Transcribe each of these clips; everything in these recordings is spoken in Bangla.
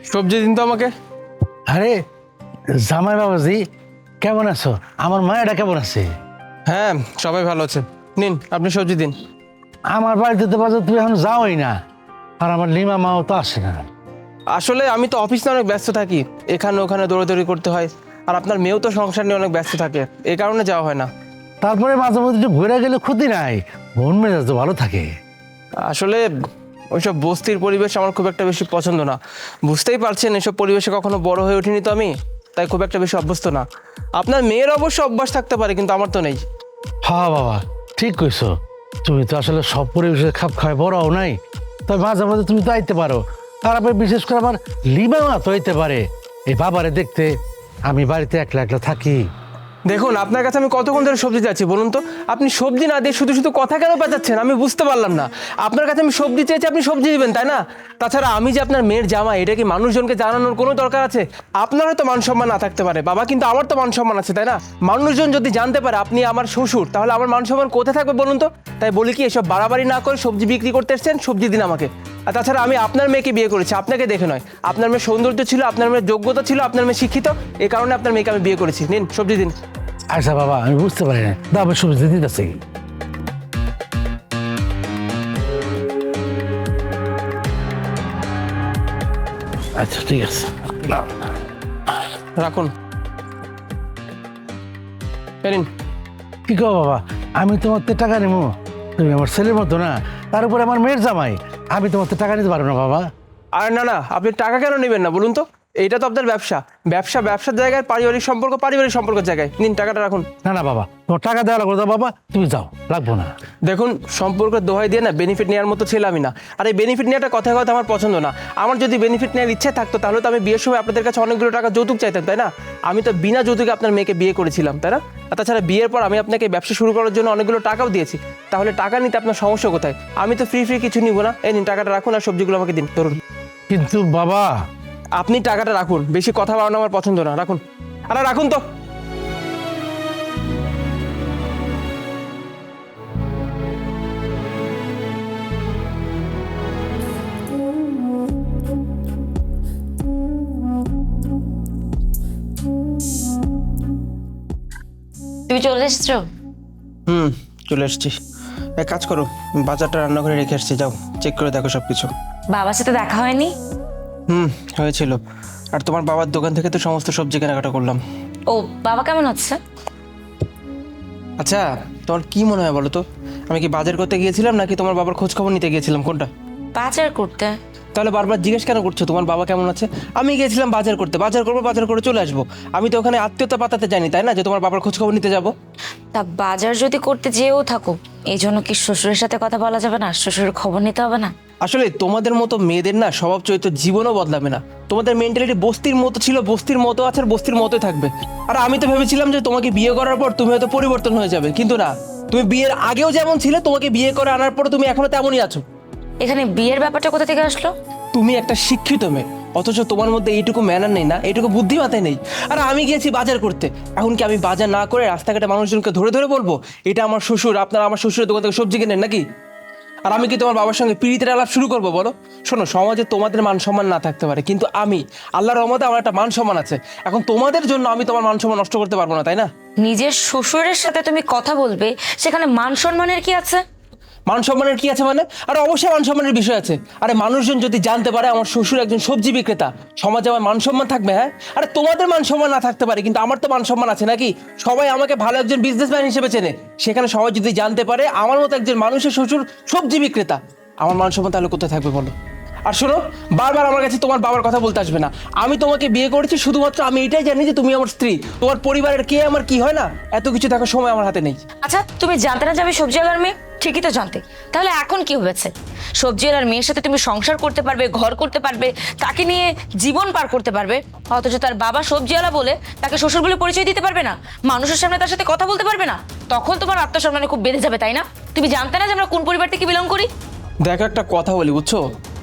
সবজি দিন তো আমাকে। আরে জামাই বাবাজি, কেমন আছো? আমার মায়েরা কেমন আছে? হ্যাঁ, সবাই ভালো আছে। নিন, আপনি সবজি দিন। আমার বাড়িতে তো বাজার তুমি এখন যাওই না, আর আমার লিমা মাও তো আসে না। আসলে আমি তো অফিসে অনেক ব্যস্ত থাকি, এখানে ওখানে দৌড়াদৌড়ি করতে হয়। আর আপনার মেয়েও তো সংসার নিয়ে অনেক ব্যস্ত থাকে, এই কারণে যাওয়া হয় না। তারপরে মাঝে মধ্যে একটু ঘুরে গেলে ক্ষতি নাই, মন মেজাজ তো ভালো থাকে। আসলে ওইসব বস্তির পরিবেশ আমার খুব একটা বেশি পছন্দ না। বুঝতেই পারছেন, এসব পরিবেশে কখনো বড় হয়ে ওঠেনি তো আমি, তাই খুব একটা বেশি অভ্যস্ত না। আপনার মেয়ের অবশ্য অভ্যাস থাকতে পারে, কিন্তু আমার তো নেই। হ্যাঁ বাবা, ঠিক কইছো। তুমি তো আসলে সব পরিবেশে খাপ খাওয়ায় বড় হও নাই, তবে মাঝে মাঝে তুমি তো আইতে পারো। আর আবার বিশেষ করে আমার লিমা মা তো আইতে পারে এই বাবারে দেখতে। আমি বাড়িতে একলা একলা থাকি। দেখুন, আপনার কাছে আমি কতক্ষণ ধরে সবজি চাচ্ছি বলুন তো? আপনি সবজি না দিয়ে শুধু শুধু কথা কেন পেঁচাচ্ছেন আমি বুঝতে পারলাম না। আপনার কাছে আমি সবজি চেয়েছি, আপনি সবজি দিবেন তাই না? তাছাড়া আমি যে আপনার মেয়ের জামাই, এটা কি মানুষজনকে জানানোর কোনো দরকার আছে? আপনার হয়তো মান সম্মান না থাকতে পারে বাবা, কিন্তু আমার তো মান সম্মান আছে তাই না? মানুষজন যদি জানতে পারে আপনি আমার শ্বশুর, তাহলে আমার মান সম্মান কোথায় থাকবে বলুন তো? তাই বলি কি, এসব বাড়াবাড়ি না করে সবজি বিক্রি করতে এসছেন, সবজি দিন আমাকে। আর তাছাড়া আমি আপনার মেয়েকে বিয়ে করেছি, আপনাকে দেখে নয়। আপনার মেয়ের সৌন্দর্য ছিল, আপনার মেয়ের যোগ্যতা ছিল, আপনার মেয়ে শিক্ষিত, এই কারণে আপনার মেয়েকে আমি বিয়ে করেছি। নিন সবজি দিন। আচ্ছা বাবা, আমি বুঝতে পারি না, দাও আমি সবজি দিতেছি। আচ্ছা ঠিক আছে, নাও। রাখুন। এই নিন। কি কো বাবা, আমি তোমার থেকে টাকা নেবো? তুমি আমার ছেলের মতো না, তার উপরে আমার মেয়ের জামাই, আমি তোমার থেকে টাকা নিতে পারবো না বাবা। আর না না, আপনি টাকা কেন নেবেন না বলুন তো? এইটা তো আপনার ব্যবসা, ব্যবসার জায়গায়, পারিবারিক সম্পর্কের জায়গায়। নিন টাকাটা রাখুন। না না বাবা, তোমার টাকা দেওয়া লাগবে না বাবা, তুমি যাও, লাগবো না। দেখুন, সম্পর্কের দোহাই দিয়ে না বেনিফিট নেওয়ার মতো ছেলে আমি না। আর এই বেনিফিট নেওয়াটা কথায় কথা আমার পছন্দ না। আমার যদি বেনিফিট নেওয়ার ইচ্ছে থাকতো, তাহলে তো আমি বিয়ের সময় আপনাদের কাছে অনেকগুলো টাকা যৌতুক চাইতাম তাই না? আমি তো বিনা যৌতুকে আপনার মেয়েকে বিয়ে করেছিলাম তাই না? আর তাছাড়া বিয়ের পর আমি আপনাকে ব্যবসা শুরু করার জন্য অনেকগুলো টাকাও দিয়েছি। তাহলে টাকা নিতে আপনার সমস্যা কোথায়? আমি তো ফ্রি কিছু নিব না। এই নিন টাকাটা রাখুন, আর সবজিগুলো আমাকে দিন, ধরুন। কিন্তু বাবা। আপনি টাকাটা রাখুন, বেশি কথা বাড়ানো আমার পছন্দ না। রাখুন, আরে রাখুন তো। তুমি চলে এসছো? চলে এসছি। এক কাজ করো, বাজারটা রান্নাঘরে রেখে আসছি, যাও চেক করে দেখো সব কিছু। বাবার সাথে দেখা হয়নি? হয়েছিল। আর তোমার বাবার দোকান থেকে তো সমস্ত সবজি কেনাকাটা করলাম। ও, বাবা কেমন আছে? আচ্ছা, তোমার কি মনে হয় বলো তো? আমি কি বাজার করতে গিয়েছিলাম নাকি তোমার বাবার খোঁজ খবর নিতে গিয়েছিলাম, কোনটা? বাজার করতে? তাহলে বারবার জিজ্ঞেস কেন করছো তোমার বাবা কেমন আছে? আমি গিয়েছিলাম বাজার করতে, বাজার করবো, বাজার করে চলে আসবো। আমি তো ওখানে আত্মীয়তা পাতাতে জানি তাই না, যে তোমার বাবার খোঁজ খবর নিতে যাবো। তা বাজার যদি করতে যেও থাকো, এই জন্য কি শ্বশুরের সাথে কথা বলা যাবে না? শ্বশুরের খবর নিতে হবে না? আসলে তোমাদের মতো মেয়েদের না স্বভাব চরিত্র জীবনও বদলাবে না। তোমাদের মেন্টালিটি বস্তির মতো ছিল, বস্তির মতো আছে, আর বস্তির মতোই থাকবে। আর আমি তো ভেবেছিলাম যে তোমাকে বিয়ে করার পর তুমি হয়তো পরিবর্তন হয়ে যাবে, কিন্তু না। তুমি বিয়ের আগেও যেমন ছিলে, তোমাকে বিয়ে করে আনার পর তুমি এখনো তেমনই আছো। এখানে বিয়ের ব্যাপারটা কোথা থেকে আসলো? তুমি একটা শিক্ষিত মেয়ে, অথচ তোমার মধ্যে এইটুকু ম্যানার নেই না, এইটুকু বুদ্ধি মাথায় নেই। আর আমি গিয়েছি বাজার করতে, এখন কি আমি বাজার না করে রাস্তাঘাটে মানুষজনকে ধরে ধরে বলবো এটা আমার শ্বশুর, আপনারা আমার শ্বশুরের দোকান থেকে সবজি কেনেন নাকি? আর আমি কি তোমার বাবার সঙ্গে পিড়িতের আলাপ শুরু করবো বলো? শোনো, সমাজে তোমাদের মান সম্মান না থাকতে পারে, কিন্তু আমি আল্লাহর রহমতে আমার একটা মান সম্মান আছে। এখন তোমাদের জন্য আমি তোমার মান সম্মান নষ্ট করতে পারবো না তাই না? নিজের শ্বশুরের সাথে তুমি কথা বলবে, সেখানে মান সম্মানের কি আছে? মান সম্মানের কি আছে মানে? আরে অবশ্যই মান সম্মানের বিষয় আছে। আরে মানুষজন যদি জানতে পারে আমার শ্বশুর একজন সবজি বিক্রেতা, সমাজে আমার মান সম্মান থাকবে? হ্যাঁ, আরে তোমাদের মান সম্মান না থাকতে পারে, কিন্তু আমার তো মান সম্মান আছে নাকি? সবাই আমাকে ভালো একজন বিজনেসম্যান হিসেবে চেনে। সেখানে সবাই যদি জানতে পারে আমার মতো একজন মানুষের শ্বশুর সবজি বিক্রেতা, আমার মান সম্মান তাহলে কোথায় থাকবে বলো? আর শোনো, বারবার আমার কাছে তোমার বাবার কথা বলতে আসবে না। আমি তোমাকে বিয়ে করেছি শুধুমাত্র আমি এটাই জানি যে তুমি আমার স্ত্রী। তোমার পরিবারের কে আমার কি হয় না, এত কিছু দেখার সময় আমার হাতে নেই। আচ্ছা, তুমি জানতে না যে আমি সবজিওয়ালার মেয়ে? ঠিকই তো জানতে। তাহলে এখন কি হয়েছে? সবজিওয়ালার মেয়ের সাথে তুমি সংসার করতে পারবে, ঘর করতে পারবে, তাকে নিয়ে জীবন পার করতে পারবে, অথচ তার বাবা সবজিওয়ালা বলে তাকে শ্বশুর বলে পরিচয় দিতে পারবে না, মানুষের সামনে তার সাথে কথা বলতে পারবে না। তখন তোমার আত্মসম্মানে খুব বেড়ে যাবে তাই না? তুমি জানতে না যে আমরা কোন পরিবার থেকে বিলং করি? দেখো, একটা কথা বলি বুঝছো,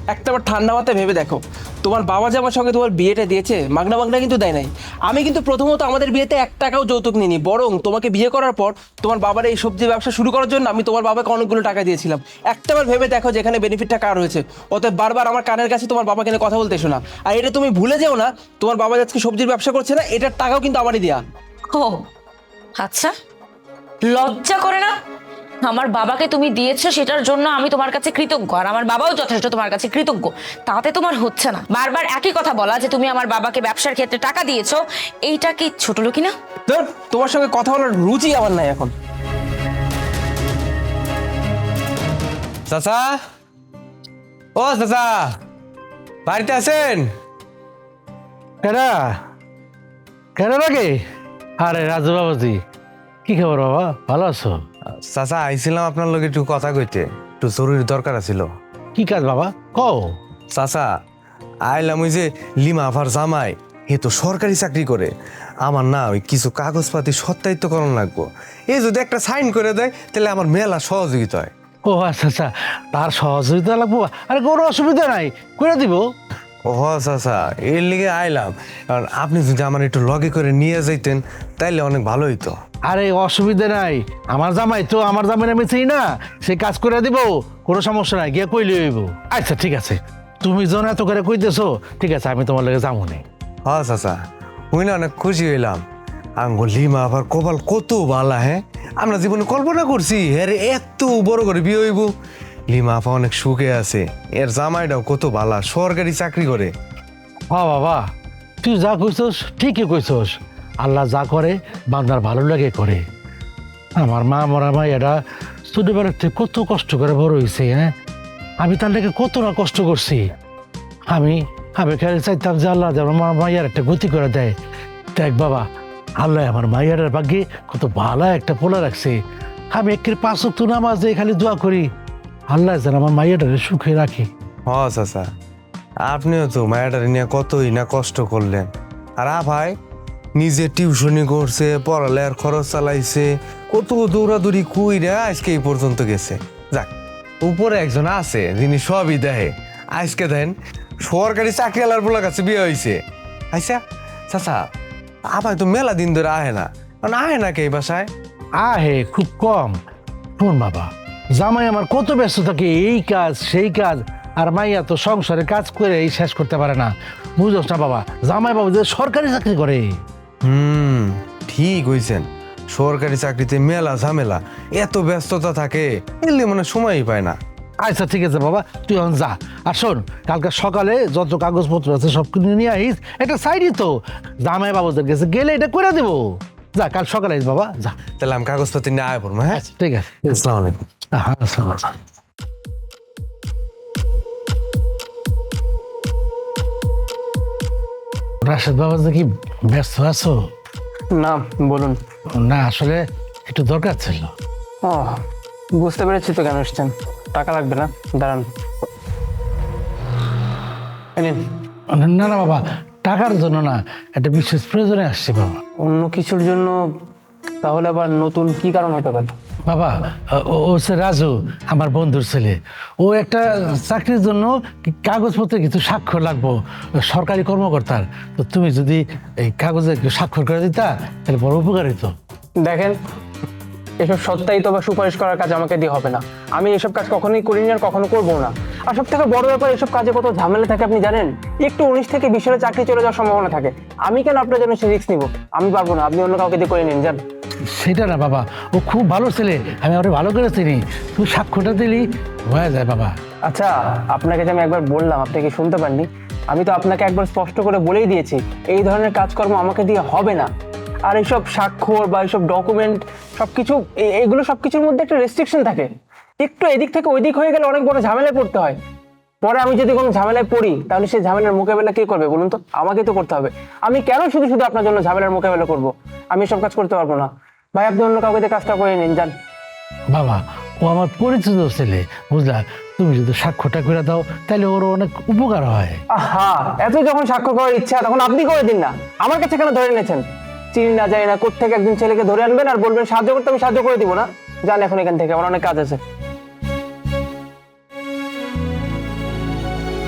একটাবার ঠান্ডা মাথায় ভেবে দেখো, তোমার বাবা যে আমার সঙ্গে তোমার বিয়েটা দিয়েছে মাগনা মাগনা কিন্তু দেয় নাই। আমি কিন্তু প্রথমত আমাদের বিয়েতে 1 টাকাও যৌতুক নিইনি, বরং তোমাকে বিয়ে করার পর তোমার বাবার এই সবজি ব্যবসা শুরু করার জন্য আমি তোমার বাবাকে অনেকগুলো টাকা দিয়েছিলাম। একটাবার ভেবে দেখো যেখানে বেনিফিটটা কার হয়েছে। অতএব বারবার আমার কানের কাছে তোমার বাবাকে নিয়ে কথা বলতে এসো না। আর এটা তুমি ভুলে যেও না, তোমার বাবা আজকে সবজির ব্যবসা করছে না, এটার টাকাও কিন্তু আমারই দেয়া। ও আচ্ছা, লজ্জা করে না? আমার বাবাকে তুমি দিয়েছো, সেটার জন্য আমি তোমার কাছে কৃতজ্ঞ, আর আমার বাবাও যথেষ্ট তোমার কাছে কৃতজ্ঞ। তাতে তোমার হচ্ছে না বারবার একই কথা বলা যে তুমি আমার বাবাকে ব্যবসার ক্ষেত্রে টাকা দিয়েছো। এইটা কি ছোট লোকি না? ধর, তোমার সঙ্গে কথা বলার রুচি আমার নাই এখন। চাচা, ও চাচা, বাড়িতে আছেন? কেডা কেডা লাগে? আরে রাজু বাবাজি, কি খবর বাবা, ভালো আছো? চাচা, আইছিলাম আপনার লগে একটু কথা কইতে, একটু জরুরি দরকার আছিল। কি কাজ বাবা, কও। চাচা, আইলাম ওই যে লিমা আফার জামাই, এ তো সরকারি চাকরি করে। আমার না ওই কিছু কাগজপাতি সত্যায়িত্বকরণ লাগবো। এই যদি একটা সাইন করে দেয় তাহলে আমার মেলা সহযোগিতা হয়। ও আচ্ছা আচ্ছা, তার সহযোগিতা লাগবো? আরে কোনো অসুবিধা নাই, করে দিব। ও চাচা, এর লিগে আইলাম, কারণ আপনি যদি আমার একটু লগে করে নিয়ে যাইতেন তাইলে অনেক ভালো হইতো। আরে অসুবিধা নাই, আমার জামাই তো, আমার জামাই আমি চিনি না, সে কাজ করে দিব, কোনো সমস্যা নাই, গিয়ে কইলে হইব। আচ্ছা ঠিক আছে, তুমি যখন এত করে কইতেছো, ঠিক আছে আমি তোমার লগে যাবো নি। হ্যাঁ চাচা, ওই না অনেক খুশি হইলাম। আঙ্গুল লিমা আবার কপাল কত বালা, হ্যাঁ আমরা জীবনে কল্পনা করছি হ্যাঁ রে, এত বড় করে বিয়ে হইব। লিমা আপা অনেক সুখে আছে, এর জামাইটাও কত বালা, সরকারি চাকরি করে। হ্যাঁ বাবা, তুই যা কইছস ঠিকই কইছস, আল্লাহ যা করে বান্দার ভালো লাগে করে। আমার মা মরা মাইয়াটা ছোটবেলার থেকে কত কষ্ট করে বড় হয়েছে, হ্যাঁ আমি তার লেগে কত না কষ্ট করছি। আমি আমি খেয়াল চাইতাম যে আল্লাহ যেন আমার মাইয়ার একটা গতি করে দেয়। দেখ বাবা, আল্লাহ আমার মাইয়ার ভাগ্যে কত ভালো একটা পোলা রাখছে। আমি একের 5 ওয়াক্ত নামাজে খালি দোয়া করি, আল্লাহ যেন আমার মাইয়াটারে সুখে রাখি। হ্যাঁ চাচা, আপনিও তো মায়াটারে নিয়ে কতই না কষ্ট করলেন। আর ভাই নিজে টিউশনি করছে, পড়ালেখার খরচ চালাইছে, কত দৌড়াদৌড়ি কইরা আজকে এই পর্যন্ত গেছে। যাক, উপরে একজন আছে যিনি সবই দেখে। আজকে দেন সরকারি চাকরিওয়ালার বলার কাছে বিয়ে হয়েছে। আচ্ছা চাচা, আবার তো মেলা দিন ধরে আহে না, মানে আহে না কে এই বাসায়? আহে খুব কম। শোন বাবা, জামাই আমার কত ব্যস্ত থাকে, এই কাজ সেই কাজ, আর মাইয়া তো সংসারে কাজ করে এই শেষ করতে পারে না, বুঝোস না বাবা? জামাই বাবু যে সরকারি চাকরি করে। ঠিক হইছেন, সরকারি চাকরিতে মেলা ঝামেলা, এত ব্যস্ততা থাকে, এলে মানে সময়ই পায় না। আচ্ছা ঠিক আছে বাবা, তুই এখন যা। আর শোন, কালকে সকালে যত কাগজপত্র আছে সব কিছু নিয়ে আইস, এটা সাইডই তো, জামাই বাবুদের কাছে গেলে এটা করে দেবো। যা, কাল সকালে আইস বাবা, যা। তাহলে আমি কাগজপত্র নিয়ে আয় পড়বো। হ্যাঁ, আচ্ছা ঠিক আছে। আসসালামু আলাইকুম। হ্যাঁ, আসসালামু আলাইকুম। রাশেদ বাবা কি ব্যস্ত আছো? না, বলুন। না আসলে একটু দরকার ছিল। ও, বুঝতে পেরেছি তো কেন এসছেন। টাকা লাগবে না, দাঁড়ান। এই নিন। না না বাবা, টাকার জন্য না, একটা বিশেষ প্রয়োজনে আসছি বাবা। অন্য কিছুর জন্য? তাহলে আবার নতুন কি কারণ হতে পারে? বাবা, ও হচ্ছে রাজু, আমার বন্ধুর ছেলে। ও একটা চাকরির জন্য কাগজপত্রে কিছু স্বাক্ষর লাগবো, সরকারি কর্মকর্তার। তো তুমি যদি এই কাগজে একটু স্বাক্ষর করে দিতা তাহলে বড় উপকার হইতো। দেখেন, এসব সত্যায়িত বা সুপারিশ করার কাজ আমাকে দিয়ে হবে না। আমি এসব কাজ কখনোই করিনি আর কখনো করবো না। আর সব থেকে বড় ব্যাপার, এসব কাজে কত ঝামেলা থাকে আপনি জানেন? একটু 19 থেকে 20 সালে চাকরি চলে যাওয়ার সম্ভাবনা থাকে। আমি কেন আপনার জন্য সে রিস্ক নিব? আমি পারবো না, আপনি অন্য কাউকে দিয়ে করে নিন, যান। সেটা না বাবা, ও খুব ভালো ছেলে, আমি ওরে ভালো করে চিনি, তুই স্বাক্ষরটা দিলি হয়ে যায় বাবা। আচ্ছা, আপনাকে যে আমি একবার বললাম, আপনি কি শুনতে পাননি? আমি তো আপনাকে একবার স্পষ্ট করে বলেই দিয়েছি, এই ধরনের কাজকর্ম আমাকে দিয়ে হবে না। আর এইসব স্বাক্ষর বা এইসব ডকুমেন্ট সবকিছু, এগুলো সবকিছুর মধ্যে একটা রেস্ট্রিকশন থাকে। একটু এদিক থেকে ওইদিক হয়ে গেলে অনেক বড় ঝামেলায় পড়তে হয়। পরে আমি যদি কোনো ঝামেলায় পড়ি তাহলে সেই ঝামেলার মোকাবেলা কে করবে বলুন তো? আমাকে তো করতে হবে। আমি কেন শুধু শুধু আপনার জন্য ঝামেলার মোকাবেলা করব? আমি এসব কাজ করতে পারবো না। ভাই, আপনি অন্য কাউকে দিয়ে কাজটা করে নিন, যান। বাবা, ও আমার পরিচিত ছেলে, বুঝলা? তুমি যদি স্বাক্ষরটা করে দাও তাহলে ওর অনেক উপকার হয়। আহা, এত যখন স্বাক্ষর করার ইচ্ছা তখন আপনি করে দিন না, আমার কাছে কেন ধরে নিয়েছেন? চিনি না জানি না কোত্থেকে একজন ছেলেকে ধরে আনবেন আর বলবেন সাহায্য করতে, আমি সাহায্য করে দিব না। যান এখন এখান থেকে, আমার অনেক কাজ আছে।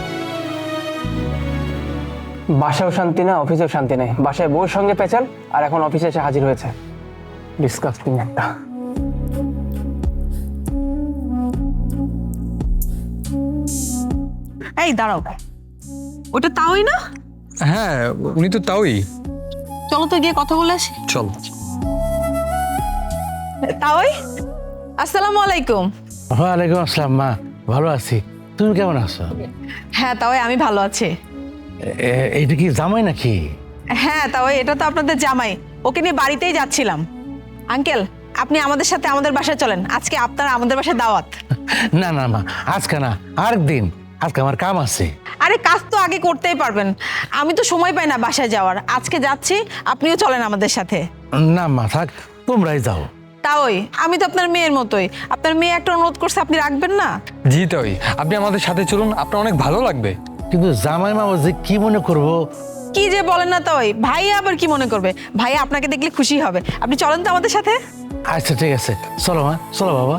বাসাও শান্তি না, অফিসেও শান্তি নেই। বাসায় বউর সঙ্গে পেঁচাল, আর এখন অফিসে এসে হাজির হয়েছে। ডিসকাস্টিং একটা। এই দাঁড়াও, ওটা তাওই না? হ্যাঁ, উনি তো তাওই। চলো তো গিয়ে কথা বলে আসি। চল। তাওই, আসসালামু আলাইকুম। ওয়ালাইকুম আসসালাম মা, ভালো আছি। তুমি কেমন আছো? হ্যাঁ তাওই, আমি ভালো আছি। এইটা কি জামাই নাকি? হ্যাঁ তাওই, এটা তো আপনাদের জামাই। ওকে নিয়ে বাড়িতেই যাচ্ছিলাম। আঙ্কেল, আপনি আমাদের সাথে আমাদের বাসায় চলেন, আজকে আপনার আমাদের বাসায় দাওয়াত। না না মা, আজকে না, আরেকদিন। আজকে আমার কাম আছে। আরে কাজ তো আগে করতেই পারবেন, আমি তো সময় পাই না বাসায় যাওয়ার। আজকে যাচ্ছি, আপনিও চলেন আমাদের সাথে। না মা, থাক, তোমরাই যাও। তাওই, আমি তো আপনার মেয়ের মতোই। আপনার মেয়ে একটা অনুরোধ করছে, আপনি রাখবেন না? জি তাওই, আপনি আমাদের সাথে চলুন, আপনার অনেক ভালো লাগবে। কিন্তু জামাই মামা যে কি মনে করবো? কি যে বলেন না তাওই, ভাইয়া আবার কি মনে করবে? ভাইয়া আপনাকে দেখলে খুশি হবে। আপনি চলেন তো আমাদের সাথে। আচ্ছা ঠিক আছে, চলো মা, চলো বাবা।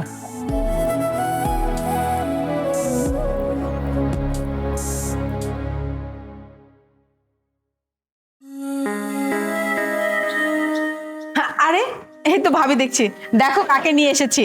আরে এই তো ভাবি দেখছি, দেখো কাকে নিয়ে এসেছি।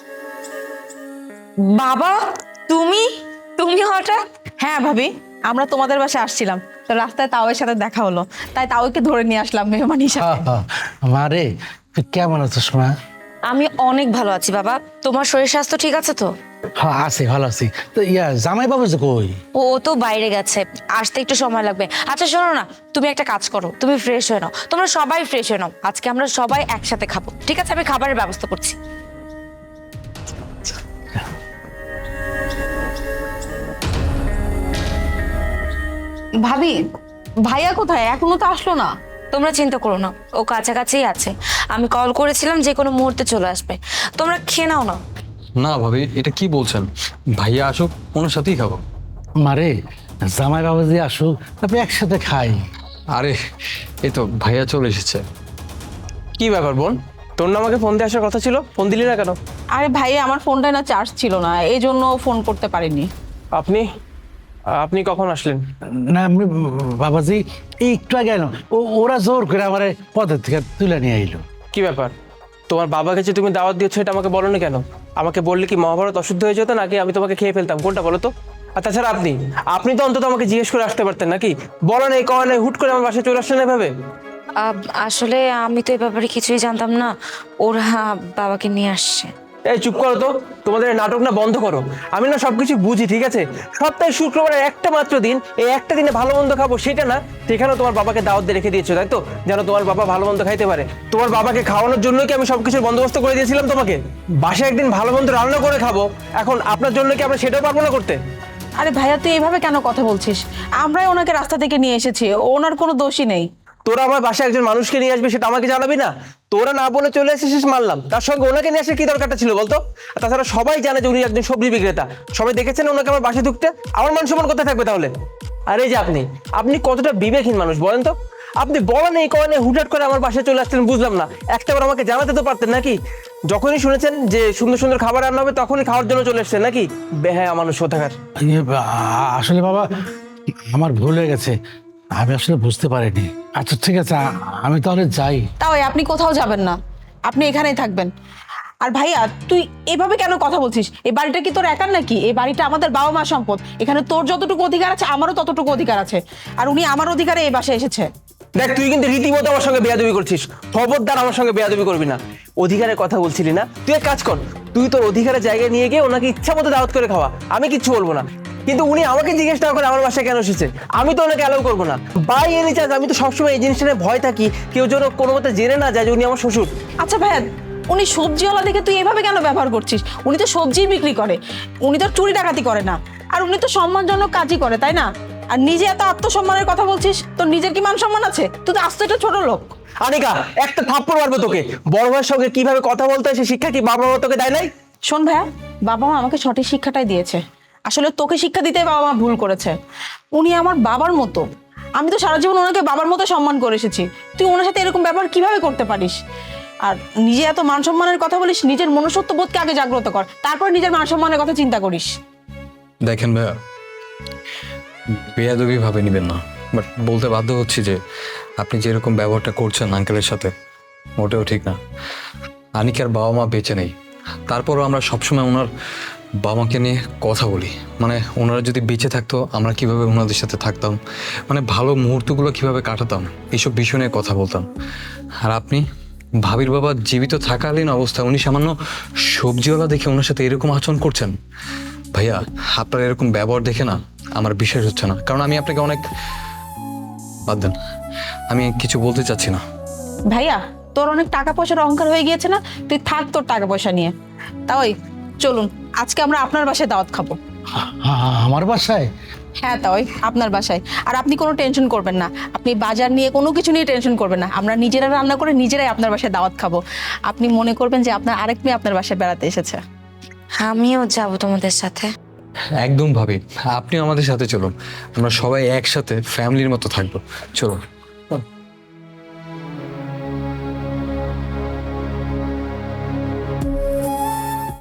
বাবা, তুমি তুমি হঠাৎ? হ্যাঁ ভাবি, আমরা তোমাদের বাসায় আসছিলাম, তো রাস্তায় তাওয়ের সাথে দেখা হলো, তাই তাওকে ধরে নিয়ে আসলাম মেহমান হিসাবে। মা রে, তুই কেমন আছিস মা? আমি অনেক ভালো আছি বাবা। তোমার শরীর স্বাস্থ্য ঠিক আছে তো? হ্যাঁ আছি, ভালো আছি। তো জামাই বাবু যে কই? ও তো বাইরে গেছে, আসতে একটু সময় লাগবে। আচ্ছা শোনো না, তুমি একটা কাজ করো, তুমি ফ্রেশ হয়ে নাও। তোমরা সবাই ফ্রেশ হয়ে নাও, আজকে আমরা সবাই একসাথে খাবো, ঠিক আছে? আমি খাবারের ব্যবস্থা করছি। ভাবি, ভাইয়া কোথায়? এখনো তো আসলো না। তোমরা চিন্তা করো না, ও কাছাকাছিই আছে। আমি কল করেছিলাম, যে কোনো মুহূর্তে চলে আসবে। তোমরা খেয়ে নাও না। না ভাবি, এটা কি বলছেন? ভাইয়া আসুক, ওনার সাথেই খাবো। মারে, জামাই বাবু যে আসুক, তারপরে একসাথে খাই। আরে এই তো ভাইয়া চলে এসেছে। কি ব্যাপার বোন, তোর না আমাকে ফোন দিয়ে আসার কথা ছিল, ফোন দিলি না কেন? আরে ভাইয়া, আমার ফোনটা না চার্জ ছিল না, এই জন্য ফোন করতে পারিনি। আপনি আপনি কখন আসলেন? না আমি বাবাজি এই একটু আগে এলো, ওরা জোর করে আমার পদের থেকে তুলে নিয়ে আইলো। কি ব্যাপার, তোমার বাবাকে যে তুমি দাওয়াত দিয়েছো এটা আমাকে বলো না কেন? আমাকে বললে কি মহাভারত অশুদ্ধ হয়ে যেত, নাকি আমি তোমাকে খেয়ে ফেলতাম? কোনটা বলো তো? আর তাছাড়া আপনি আপনি তো অন্তত আমাকে জিজ্ঞেস করে আসতে পারতেন নাকি? বলো না, এই কওয়া নেই, হুট করে আমার বাসায় চলে আসলেন এভাবে। আসলে আমি তো এই ব্যাপারে কিছুই জানতাম না। ওরা বাবাকে নিয়ে আসছে। এই চুপ করো তো, তোমাদের এই নাটক না বন্ধ করো। আমি না সবকিছু বুঝি, ঠিক আছে? সপ্তাহে শুক্রবারের একটা মাত্র দিন, এই একটা দিনে ভালো মন্দ খাবো সেটা না, সেখানেও তোমার বাবাকে দাওয়াত দিয়ে রেখে দিয়েছো, তাই তো? যেন তোমার বাবা ভালো মন্দ খাইতে পারে। তোমার বাবাকে খাওয়ানোর জন্যই কি আমি সবকিছুর বন্দোবস্ত করে দিয়েছিলাম তোমাকে? বাসায় একদিন ভালো মন্দ রান্না করে খাবো, এখন আপনার জন্য কি আমরা সেটাও পারবো না করতে? আরে ভাইয়া, তুই এইভাবে কেন কথা বলছিস? আমরাই ওনাকে রাস্তা থেকে নিয়ে এসেছি, ওনার কোনো দোষই নেই। তোরা আমার বাসায় একজন মানুষকে নিয়ে আসবি, সেটা আমাকে জানাবি না? তোরা না বলে চলে এসেছিস মানলাম, তার সঙ্গে ওনাকে নিয়ে আসার কি দরকারটা ছিল বলতো? আর তাছাড়া সবাই জানে যে উনি একজন সবজি বিক্রেতা, সবাই দেখেছেন ওনাকে আমার বাসায় ঢুকতে। আমার মান সম্মান কোথায় থাকবে তাহলে? আর এই যে আপনি আপনি কতটা বিবেকহীন মানুষ বলেন তো? আপনি বলেন এই কয়নে হুটহাট করে আমার বাসায় চলে আসছেন, বুঝলাম না। একটাবার আমাকে জানাতে তো পারতেন নাকি? যখনই শুনেছেন যে সুন্দর সুন্দর খাবার রান্না হবে তখনই খাওয়ার জন্য চলে এসছেন নাকি? বেহায়া মানুষ কোথাকার। আসলে বাবা, আমার ভুল হয়ে গেছে, আমি আসলে বুঝতে পারিনি। আচ্ছা ঠিক আছে, আমি তাহলে যাই। তাও আপনি কোথাও যাবেন না, আপনি এখানেই থাকবেন। আর ভাইয়া, তুই এভাবে কেন কথা বলছিস? এই বাড়িটা কি তোর একার নাকি? এই বাড়িটা আমাদের বাবা মা সম্পদ। এখানে তোর যতটুকু অধিকার আছে, আমারও ততটুকু অধিকার আছে। আর উনি আমার অধিকারে এই বাসায় এসেছে। দেখ, তুই কিন্তু রীতিমতো আমার সঙ্গে বেয়াদবি করছিস। খবরদার আমার সঙ্গে বেয়াদবি করবি না। অধিকারের কথা বলছিলি না? তুই এক কাজ কর, তুই তোর অধিকারের জায়গায় নিয়ে গিয়ে ওনাকে ইচ্ছা মতো দাওয়াত করে খাওয়া, আমি কিচ্ছু বলবো না। কিন্তু উনি আমাকে জিজ্ঞেস না করে আমার বাসায় কেন এসেছে, আমি তো ওনাকে অ্যালাউ করবো না। বাই এনি চান্স আমি তো সবসময় এই জিনিসটা নিয়ে ভয় থাকি, কেউ যেন কোনো মতে জেনে না যায় যে উনি আমার শ্বশুর। আচ্ছা ভাইয়া, উনি সবজিওয়ালা দেখে তুই এভাবে কেন ব্যবহার করছিস? উনি তো সবজি বিক্রি করে, উনি তো চুরি ডাকাতি করে না। আর উনি তো সম্মানজনক কাজই করে, তাই না? আর নিজে এত আত্মসম্মানের কথা বলছিস, তোর নিজের কি মান সম্মান আছে? তুই তো আস্ত একটা ছোট লোক। আনিকা, একটা থাপ্পড় মারবো তোকে। বড় ভাইয়ের সঙ্গে কিভাবে কথা বলতে হয় সে শিক্ষা কি বাবা মা তোকে দেয় নাই? শোন ভাইয়া, বাবা মা আমাকে সঠিক শিক্ষাটাই দিয়েছে। আসলে তোকে শিক্ষা দিতে বাবা মা ভুল করেছে। উনি আমার বাবার মতো, আমি তো সারা জীবন ওনাকে বাবার মতো সম্মান করে এসেছি। তুই ওনার সাথে এরকম ব্যবহার কিভাবে করতে পারিস? আর নিজে এত মান সম্মানের কথা বলিস, নিজের মনুষ্যত্ব বোধকে আগে জাগ্রত কর, তারপর নিজের মান সম্মানের কথা চিন্তা করিস। দেখেন ভাইয়া, বেয়াদবি ভাবে নিবেন না। বাট বলতে বাধ্য হচ্ছি যে আপনি যেরকম ব্যবহারটা করছেন আঙ্কেলের সাথে মোটেও ঠিক না। আনিকার বাবা মা বেঁচে নেই, তারপরও আমরা সবসময় ওনার বাবা মাকে নিয়ে কথা বলি। মানে ওনারা যদি বেঁচে থাকতো আমরা কিভাবে ওনাদের সাথে থাকতাম, মানে ভালো মুহূর্তগুলো কিভাবে কাটাতাম, এইসব বিষয় নিয়ে কথা বলতাম। আর আপনি ভাবির বাবা জীবিত থাকালীন অবস্থায় উনি সামান্য সবজিওয়ালা দেখে ওনার সাথে এরকম আচরণ করছেন। ভাইয়া আপনার এরকম ব্যবহার দেখে না আমার বিশ্বাস হচ্ছে না, কারণ আমি আপনাকে অনেক বাদ দেন, আমি কিছু বলতে চাচ্ছি না। ভাইয়া তোর অনেক টাকা পয়সার অহংকার হয়ে গিয়েছে না, তুই থাক তোর টাকা পয়সা নিয়ে। তাই চলুন আজকে আমরা আপনার বাসায় দাওয়াত খাবো। আমার বাসায়? হ্যাঁ তাই আপনার বাসায়। আর আপনি কোনো টেনশন করবেন না, আপনি বাজার নিয়ে কোনো কিছু নিয়ে টেনশন করবেন না, আমরা নিজেরা রান্না করে নিজেরাই আপনার বাসায় দাওয়াত খাবো। আপনি মনে করবেন যে আপনার আরেক মেয়ে আপনার বাসায় বেড়াতে এসেছে। আমিও যাব তোমাদের সাথে। একদম ভাবি, আপনিও আমাদের সাথে চলুন, আমরা সবাই একসাথে ফ্যামিলির মতো থাকবো, চলুন।